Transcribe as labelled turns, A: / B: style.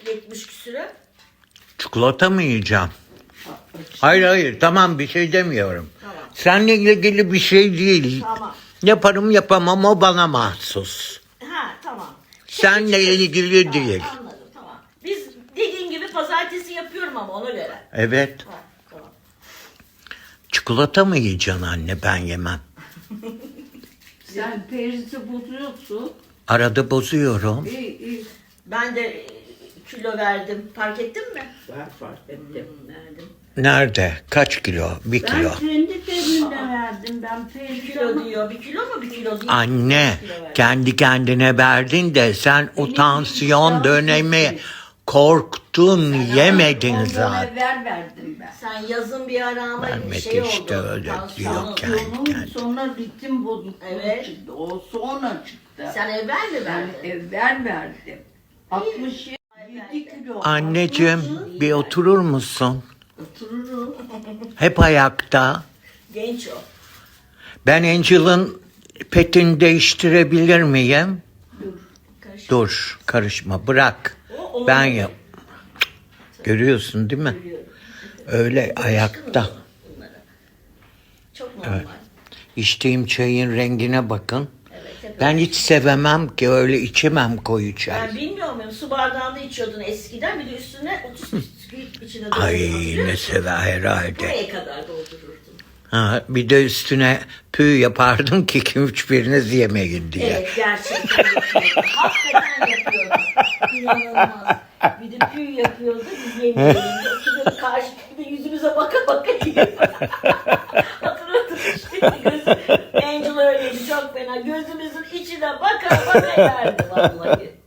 A: 70 küsüre.
B: Çikolata mı yiyeceğim? Hayır tamam bir şey demiyorum.
A: Tamam.
B: Seninle ilgili bir şey değil.
A: Tamam.
B: Yaparım yapamam o bana mahsus.
A: Ha tamam.
B: Seninle
A: Çıkarız.
B: ilgili
A: Ha,
B: değil.
A: Anladım tamam. Biz dediğin gibi pazartesi yapıyorum ama ona göre.
B: Evet.
A: Ha, tamam.
B: Çikolata mı yiyeceksin anne ben yemem.
C: Sen perisi bozuyorsun.
B: Arada bozuyorum.
C: İyi.
A: Ben de kilo verdim. Fark ettin mi?
C: Ben fark ettim.
A: Verdim.
B: Nerede? Kaç kilo? Bir
C: Ben
B: kilo.
C: kendi cebimde verdim. Ben
A: Bir
C: perisi
A: kilo diyor. Bir kilo mu? Bir kilo değil.
B: Anne
A: Bir kilo verdim.
B: kendi kendine verdin de sen o tansiyon
C: iştahım
B: dönemi
C: gitti.
B: korktun yemedin
C: ondan
B: zaten.
C: evvel verdim ben.
A: Sen yazın bir ara ama
B: Vermedi
A: şey oldu.
B: işte öyle
A: tansiyonun.
B: diyor kendi
C: Onun
B: kendine.
C: sonra ritim bozukluğu
A: Evet.
C: çıktı. O sonra çıktı.
A: Sen evvel mi
C: Ben
A: verdin?
C: evvel verdim. 67 kilo.
B: Anneciğim bir oturur musun?
C: Otururum.
B: Hep ayakta.
A: Genç o.
B: Ben Angel'ın petini değiştirebilir miyim?
A: Karışık.
B: Dur karışma bırak.
A: O
B: Ben
A: onun-
B: yap. Görüyorsun değil mi?
A: Biliyorum.
B: Öyle ayakta.
A: Bunlara. Çok normal.
B: İçtiğim çayın rengine bakın.
A: Evet. hep
B: Ben
A: öyle.
B: hiç sevemem ki öyle içemem koyu çay.
A: Ben bilmiyorum su bardağında içiyordun eskiden bir de üstüne 30 bisküvit içine
B: Ay
A: doldururdun.
B: ne sever herhalde.
A: Buraya kadar doldururdun.
B: Ha, bir de üstüne püh yapardım ki kim hiçbiriniz yemeyin diye.
A: Evet gerçekten yapıyordun. Hakikaten yapıyordun. İnanılmaz. Bir de püy yapıyordu biz yemiyorduk. Oturuyorduk karşılıklı yüzümüze baka baka yiyor. Hatırladım işte. Angel öyleydi çok fena. Gözümüzün içine baka baka yerdi vallahi.